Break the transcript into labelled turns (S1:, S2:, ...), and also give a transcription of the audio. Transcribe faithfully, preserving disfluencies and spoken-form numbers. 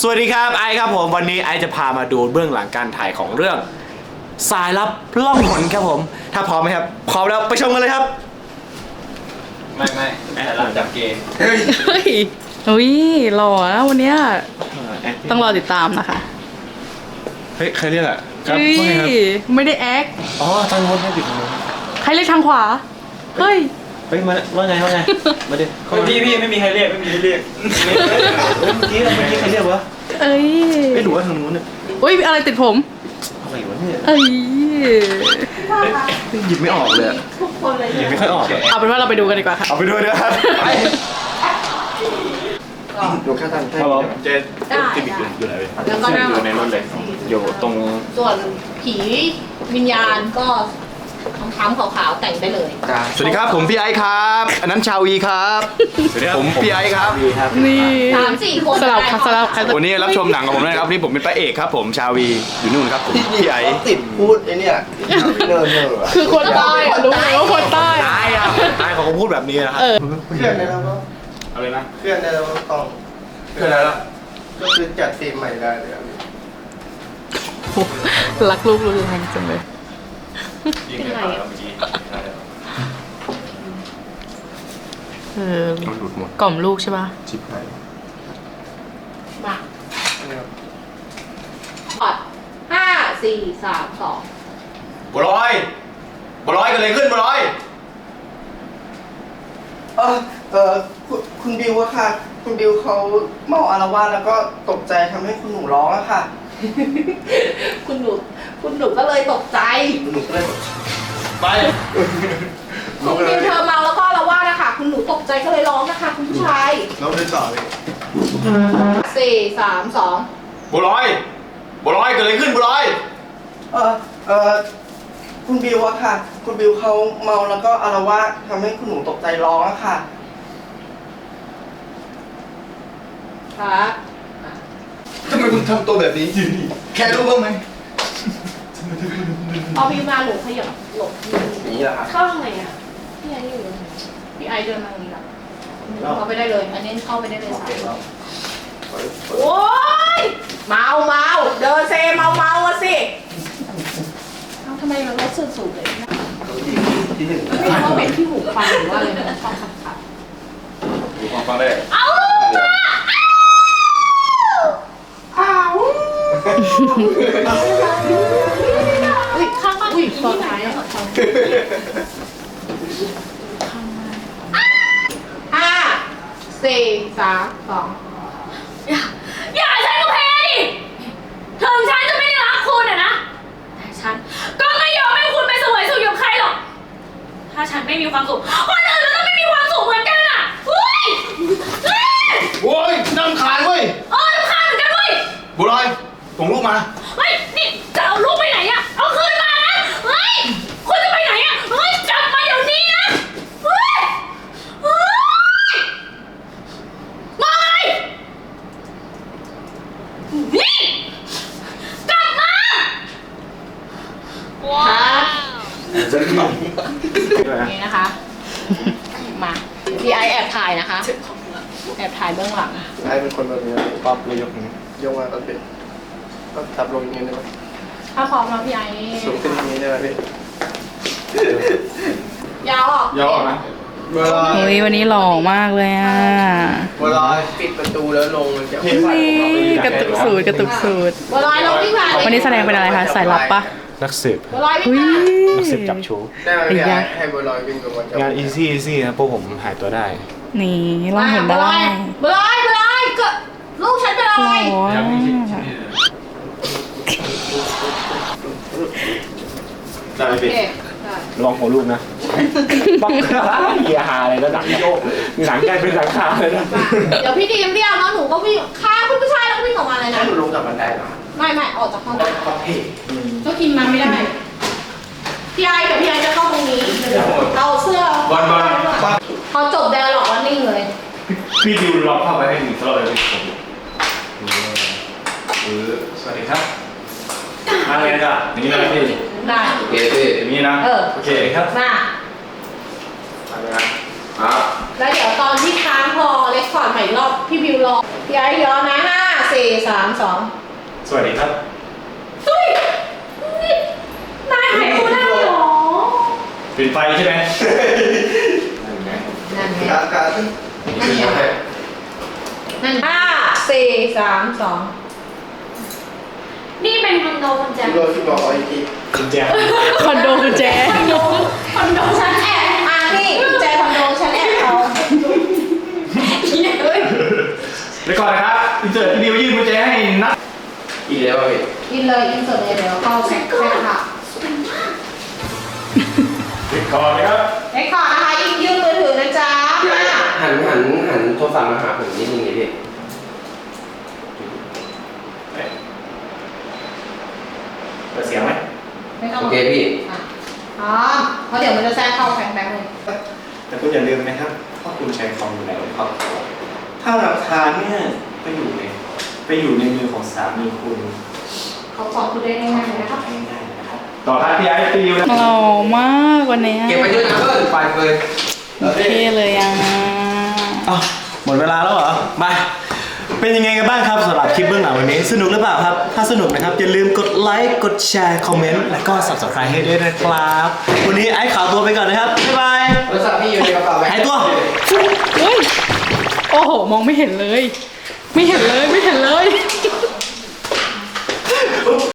S1: สวัสดีครับไอครับผมวันนี้ไอจะพามาดูเบื้องหลังการถ่ายของเรื่องสายลับล่องหนครับผมถ้าพร้อมไหมครับพร้อมแล้วไปชมกันเลยครับ
S2: ไม่ไม่สายลับจับเกย์
S3: เฮ้ยเฮ้ยอุ้ยหล่อนะวันเนี้ยต้องรอติดตามนะคะ
S1: เฮ้ยใครเรียกอ่ะครับ
S3: เฮ้ย
S1: ว่าไงครับ
S3: ไม่ได้แอค
S1: อ๋อทางโน้นให้ปิดทางโน้น
S3: ใครเรียกทางขวาเฮ้ย
S1: เฮ้ยมาว่าไงว่าไงมาดิ
S2: พี่พี่ไม่มีใครเรียกไม่มีใครเรียก
S1: เมื่อกี้เมื่อกี้ใครเรียกวะ
S3: เอ้ย
S1: ไม่รู้ว่าทางนู้นเนี่ย
S3: อุ้ยอะไรติดผม
S1: อะไรวะเนี่ย
S3: เอ้ย
S1: หยิบไม่ออกเลยหยิบไม่ค่อยออกเลย
S3: เอาเป็นว่าเราไปดูกันดีกว่าค่ะ
S1: เอาไปด้วยนะครับไปดูแค่ทางครับผมเจนที่บิ๊กอยู่ไหนเลยอยู่ในรถเลยอยู่ตรง
S4: ส่วนผีวิญญาณก็ค้ำๆขาวๆแต่งได้เลย
S1: สวัสดีครับผมพี่ไอซ์ครับอันนั้นชาวีครับผมพี่ไอซ์ครับ
S3: นี่
S4: สามสี่คน
S3: สลับค่ะสลับค่ะ
S1: วันนี้รับชมหนังกับผมด้วยนะครับนี่ผมเป็นพระเอกครับผมชาวีอยู่นู่นครับผมพี่ไอซ์
S5: ติดพูดไอ้เนี่ยเนิร์เนิร์
S3: คือคนใต้อะรู้เลยว่าคนใต้
S1: ไอ้อะไอ้เขาก็พูดแบบนี้นะครับ
S3: เออ
S5: เพื่อนได้แล้วก็
S1: อะไรนะ
S5: เพื่อนได้แล้วก็ต้อง
S1: เพื่อนอะไรล่ะ
S5: ก็คือจัดทีมใหม่ได้เลยอะ
S3: รักลูกรุนแรงจังเลย
S4: เป็นไรอะ
S3: เออ
S1: มันหลุดหมด
S3: กล่อมลูกใช่ปะ
S1: ชิบหาย
S4: มาอดห้าสี่สามสอง
S1: บัวลอยบัวลอยกันเลยขึ้นบัวลอย
S5: เออเออคุณคุณบิวอะค่ะ คุณบิวเขาเมาอารวาสแล้วก็ตกใจทำให้คุณหนูร้องอะค่ะ
S4: คุณหนูคุณหนูก็เลยตกใจ
S5: คุณหนูก็เลย
S1: ไป
S4: คุณบิวเธอเมาแล้วก็ละว่านะคะคุณหนูตกใจก็เลยร้องนะคะคุณผู้ชาย
S5: เราได้ต่อเลย
S4: สี่สามสอง
S1: บัวลอยบัวลอยกันเลยขึ้นบัวลอย
S5: เออเออคุณบิวอะค่ะ คุณบิวเขาเมาแล้วก็อารวาสทำให้คุณหนูตกใจร้องอะค่ะ
S4: ค่ะ
S5: ทำไมคุณทำตัวแบบนี้แค่รู้บ้างไหม
S4: พอพี่มาหนูขยับหลบ
S5: นี่แหละครับ
S4: เข้าทางไหนอ่ะพี่ไออยู่พี่ไอเดินมาตรงนี้ละเข้าไปได้เลย อันนี้เข้าไปได้เลยสายโอ้ยเมาเมาเดินเซเมาเมาอะสิเอ้าทำไมมันรถสูงสูงเลยนะ
S5: ที่หนึ่ง
S4: ไม่รู้ว่าเป็นที่หูฟังหรือว่าอะไรนะชอบขับขับ
S1: ดูความฟังได้
S4: เอาลูกมาอ้าวอุ้ยข้างบ้านอุ้ยตอนท้ายอะห้าสี่สามสอง
S6: อย่าอย่าใช้กระเพดิถึงฉันจะไม่ได้รักคุณอะนะ แต่ฉันก็ไม่ยอมให้คุณไปเสวยสุขกับใครหรอก ถ้าฉันไม่มีความสุขคนอื่นก็ต้องไม่มีความสุขเหมือนกันอะเฮ้ยเฮ้ย
S1: โอ้ยนั่งคานเว้ย
S6: เออรำคาญเหมือนกันเว้ย
S1: บัวลอยส่งลูกมา
S6: เฮ้ย นี่จะเอาลูกไปไหนอะเอาคืนมานะ เฮ้ย คุณจะไปไหนอะเฮ้ยกลับมาเดี๋ยวนี้นะ เฮ้ย เฮ้ยมาเลยนี่กลับมา
S4: ครับนี่นะคะ มาพี่ไอแอบถ่ายนะคะ แอบถ่ายเบื้องหลัง
S5: ไอ้เป็นคนแบบนี้
S1: ปั๊บเลยยกนี้
S5: ยกมาก็เป็นก็ทับลงอย่างนี้ได้ไหม
S4: ถ้าพร้อมแล้วพี่ไอ
S5: สูงขึ้นอย่างนี้ได้ไหมพี่
S4: ยาวออก
S1: ย่อนะ
S5: เวลา
S3: เฮ้ยวันนี้หล่อมากเลยอ่ะ
S5: เวลาปิดประตูแล้วลงมันจะ
S3: นี่กระตุกสูตรกระตุกสูตร
S4: บัวลอยลงที่ผ่าน
S3: วันนี้แสดงเป็นอะไรคะสายลับปะ
S1: นักสืบ
S4: บัวลอย
S3: เฮ้
S4: วิ่
S3: ย
S4: งมา
S1: นักสืบจับชู
S5: ได้ไหมพี่
S3: ไอ้ยะ
S5: ให้บัวลอยวิ่งลงมาจับ
S1: งาน easy easy นะพวกผมหายตัวได้
S3: นี่ล่องหน
S4: บัวล
S3: ได้
S4: อยบัวลอยบัวลอยก็ลูกฉันเป็นอะไร
S3: โอ้ย
S1: ได้ไหม
S4: โอ
S1: พี่
S4: เคได้
S1: ระวังหัวลูกนะปักเฮียฮาเลยแล้วหนังโยกหนังกลายเป็นหนังคาเลยนะ
S4: เดี๋ยวพี่ดีมเรียกแล้วหนูก็วิ่งฆ่าคุณผู้ชายแล้วก็วิ่งออกมาเลย
S5: ให้
S4: นะ
S5: หนูลงจากบันไดเหรอ
S4: ไม่ไม่ออกจากห้อง
S5: โอเค
S4: ก็กินมาไม่ได้ พี่ไอกับพี่ไอจะเข้าตรงนี้เอาเสื้อบ
S1: อลบอล
S4: พอจบแดร์หลอกว่านิ่งเลย
S1: พี่ดิวล็อกเข้าไปให้หนึ่งตลอดเลยเออสวัสดีครับมาเลยจ้ะนี่นะพี่
S4: ได้
S1: โอเคพี่อย่างนี้นะ
S4: เออ
S1: โอเคครับ
S4: มา
S1: มาเลยนะอ่ะ
S4: แล้วเดี๋ยวตอนที่ค้างพอเรคคอร์ดใหม่อีกรอบพี่บิวรอพี่ไอย้อนนะห้าสี่สามสอง
S1: สวัสดีครับ
S6: เฮ้ยนี่นายหายตัวได้เหรอ
S1: ปิดไฟใช่ไหม
S4: นั่นไง
S5: การการ
S4: นั่นไงนั่นห้าสี่สามสอง
S6: นี่เป็นคอนโดคุณแจ๊ค
S5: โดนที่บอกอีกที
S1: กุญแจ
S3: คอนโดคุณแจ
S6: คอนโดคอนโดชั้นแอบ
S4: อ่ะนี่กุญแจคอนโดฉันแอบเขา
S6: เฮ้ย
S1: เดี๋ยวก่อนนะครับอินเสิร์ตพี่บิวยื่นกุญแจให้นัด
S2: อีกแล้วพี่
S4: อินเลยอินเสิร์ตเลยเดี๋ยวเข้าแซกแซกค่ะ
S1: ปิดก่อนนะครับ
S4: เรคคอร์ดนะคะอินยื่นมือถือนะจ๊ะ
S2: พี่ไอ้
S4: มา
S2: หันหันหันโทรศัพท์มาหาผมนิดนึงดิพี่
S1: เปิดเสียงไหม
S4: ไม่ต้อง
S2: โอเคพี่
S4: อ่ะพร้อมเพราะเดี๋ยวมันจะแทรกเข้าแฟงแบงค์เลย
S1: แต่คุณอย่าลืมนะครับว่าคุณใช้คอมอยู่แล้วครับ ถ้าหลักฐานเนี่ยไปอยู่ในไปอยู่ในมือของสามีคุณ
S4: เขาสอบคุณได้ง่ายๆเลยนะครับ
S1: ง่ายๆนะครับ ต่อท้ายพี่ไอ้ตีอยู่นะ
S3: หล่อมากวันเนี้ย
S2: เก็บไปด้วยนะเพื่อนไปเลย
S3: เท่เลยอ่ะ
S1: อ้าวหมดเวลาแล้วเหรอ มา เป็นยังไงกันบ้างครับสำหรับคลิปเบื้องหลังวันนี้ สนุกหรือเปล่าครับ ถ้าสนุกนะครับ อย่าลืมกดไลค์ กดแชร์ คอมเมนต์ และก็ subscribe ให้ด้วยนะครับ วันนี้ไอ้ขาวตัวไปก่อนนะครับ บ๊ายบาย
S2: โทรศัพท์พี่อยู่ในกระเป๋าไหม
S1: หายตัว
S3: เฮ้ย โอ้โห มองไม่เห็นเลย ไม่เห็นเลย ไม่เห็นเลย